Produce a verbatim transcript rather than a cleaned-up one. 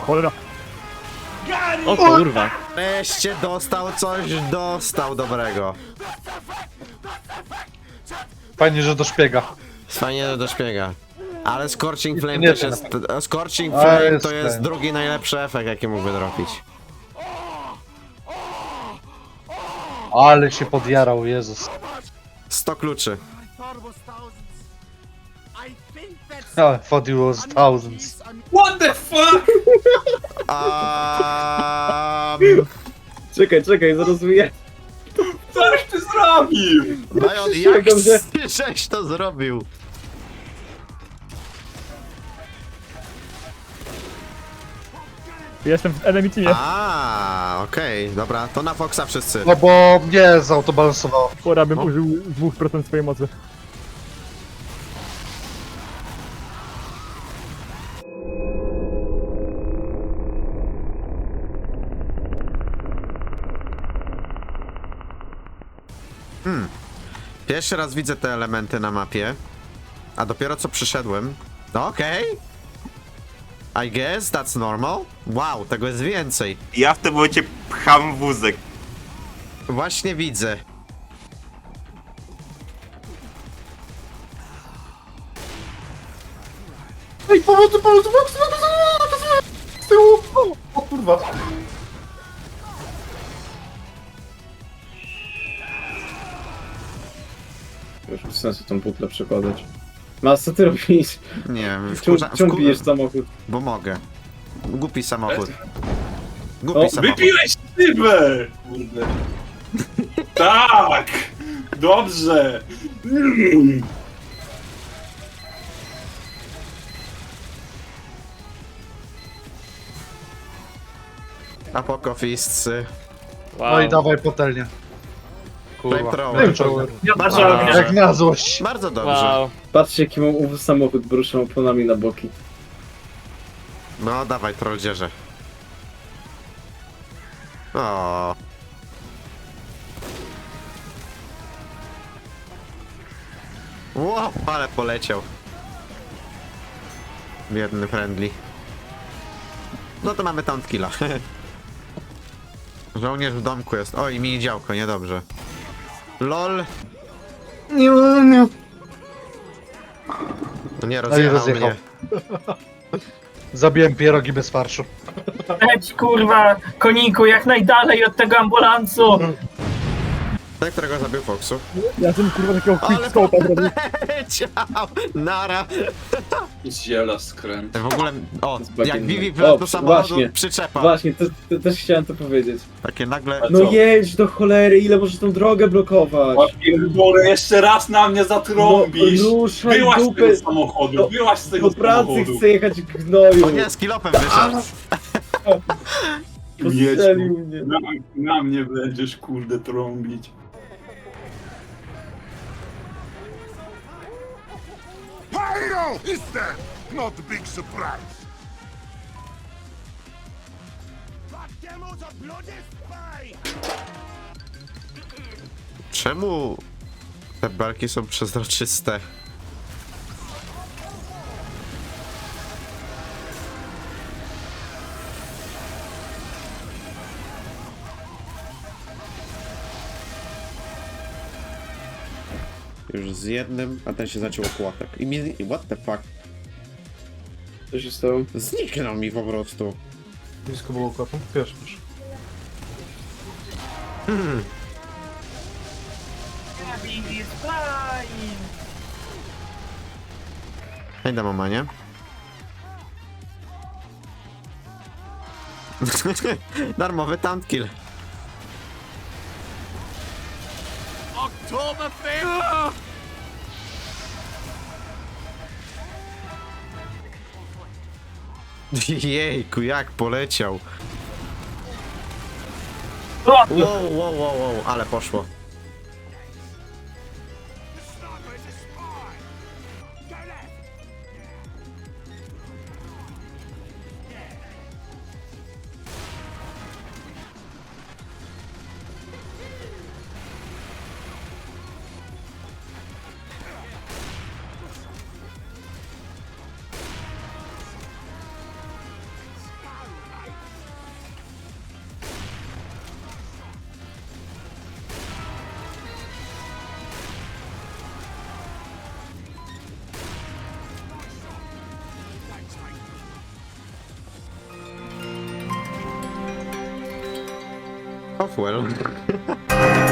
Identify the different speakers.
Speaker 1: Cholera.
Speaker 2: O kurwa.
Speaker 3: Wreszcie dostał coś, dostał dobrego.
Speaker 4: Fajnie, że do szpiega.
Speaker 3: Fajnie do szpiega. Ale Scorching Flame
Speaker 4: Nie
Speaker 3: też
Speaker 4: wiem.
Speaker 3: jest... Scorching
Speaker 4: A,
Speaker 3: Flame
Speaker 4: jest
Speaker 3: to jest
Speaker 4: ten.
Speaker 3: drugi najlepszy efekt, jaki mógłby dropić.
Speaker 4: Ale się podjarał, Jezus.
Speaker 3: sto kluczy.
Speaker 4: I thought it was thousands.
Speaker 2: What the fuck?
Speaker 3: Um,
Speaker 5: Czekaj, czekaj, zaraz wyjaśnię.
Speaker 2: Coś ty zrobił?
Speaker 3: Bajon, jak
Speaker 5: Dobrze.
Speaker 3: żeś to zrobił?
Speaker 1: Jestem w enemy teamie.
Speaker 3: A, okej, dobra, to na Foxa wszyscy.
Speaker 4: No bo mnie zautobalansowało.
Speaker 1: Pora bym
Speaker 3: No.
Speaker 1: użył dwa procent swojej mocy.
Speaker 3: Pierwszy raz widzę te elementy na mapie, a dopiero co przyszedłem. Okej. I guess that's normal. Wow, tego jest więcej.
Speaker 6: Ja w tym momencie pcham wózek.
Speaker 3: Właśnie widzę.
Speaker 4: Ej, pomocy, pomocy, pomocy, pomocy! Z tyłu! O, o kurwa.
Speaker 5: Już bez sensu tą butlę przekładać. Mas, co ty robisz?
Speaker 3: Nie wiem,
Speaker 5: Czemu,
Speaker 3: wkurza-
Speaker 5: czemu
Speaker 3: wkur-
Speaker 5: bijesz samochód?
Speaker 3: Bo mogę. Głupi samochód. Głupi
Speaker 5: O,
Speaker 3: samochód.
Speaker 2: Wypiłeś szybę! Kurde. Tak! Dobrze! Mm.
Speaker 3: Apokofiscy.
Speaker 4: No i dawaj patelnię.
Speaker 3: Flamethrower.
Speaker 4: Flamethrower.
Speaker 3: Bardzo
Speaker 4: Jak
Speaker 3: dobrze.
Speaker 4: na złość.
Speaker 3: Bardzo dobrze.
Speaker 2: Wow.
Speaker 5: Patrzcie, jaki mam ów samochód, bo ruszam oponami na boki.
Speaker 3: No dawaj, trolldzierze. O. Ło, ale poleciał. Biedny friendly. No to mamy taunt killa. Żołnierz w domku jest. Oj, mini działko, niedobrze. LOL.
Speaker 5: Nie, nie.
Speaker 3: No nie,
Speaker 4: No i
Speaker 3: rozjechał
Speaker 4: rozjechał.
Speaker 3: mnie.
Speaker 4: Zabiłem pierogi bez farszu.
Speaker 7: Leć kurwa, koniku, jak najdalej od tego ambulansu!
Speaker 3: Ten, którego zabił Foxu.
Speaker 1: Ja tym kurwa takiego
Speaker 3: Ale
Speaker 1: quick scope'a zrobił.
Speaker 3: poleciał! Nara!
Speaker 2: Ziela skręt.
Speaker 3: W ogóle, o,
Speaker 5: Z
Speaker 3: jak
Speaker 5: bagiem-
Speaker 3: Vivi
Speaker 5: O,
Speaker 3: wlazł do
Speaker 5: przy-
Speaker 3: samochodu,
Speaker 5: właśnie.
Speaker 3: przyczepa.
Speaker 5: Właśnie, to, to, też chciałem to powiedzieć.
Speaker 3: Takie nagle...
Speaker 2: A
Speaker 5: No
Speaker 2: co?
Speaker 5: jedź do cholery, ile możesz tą drogę blokować?
Speaker 2: O pierdolę, jeszcze raz na mnie zatrąbisz!
Speaker 5: No, ruszaj
Speaker 2: Byłaś z
Speaker 5: dupę.
Speaker 2: tego samochodu,
Speaker 5: Do-
Speaker 2: byłaś z tego
Speaker 5: Do pracy
Speaker 2: samochodu.
Speaker 5: chcę jechać w gnoju.
Speaker 3: O nie, z kilopem wyszedł.
Speaker 5: Postrzelił mnie.
Speaker 2: Na, na mnie będziesz kurde trąbić.
Speaker 8: Pyro is there! Not a big surprise!
Speaker 3: Czemu te belki są przezroczyste? Już z jednym, a ten się zaciął okłatek. I mi... What the fuck?
Speaker 5: Co się stało?
Speaker 3: Zniknął mi po prostu.
Speaker 4: Blisko było kotu? Wiesz, wiesz.
Speaker 3: Hej, mama, nie? Darmowy taunt kill. Jejku, jak poleciał. Wow, wow, wow, wow, ale poszło. Oh well.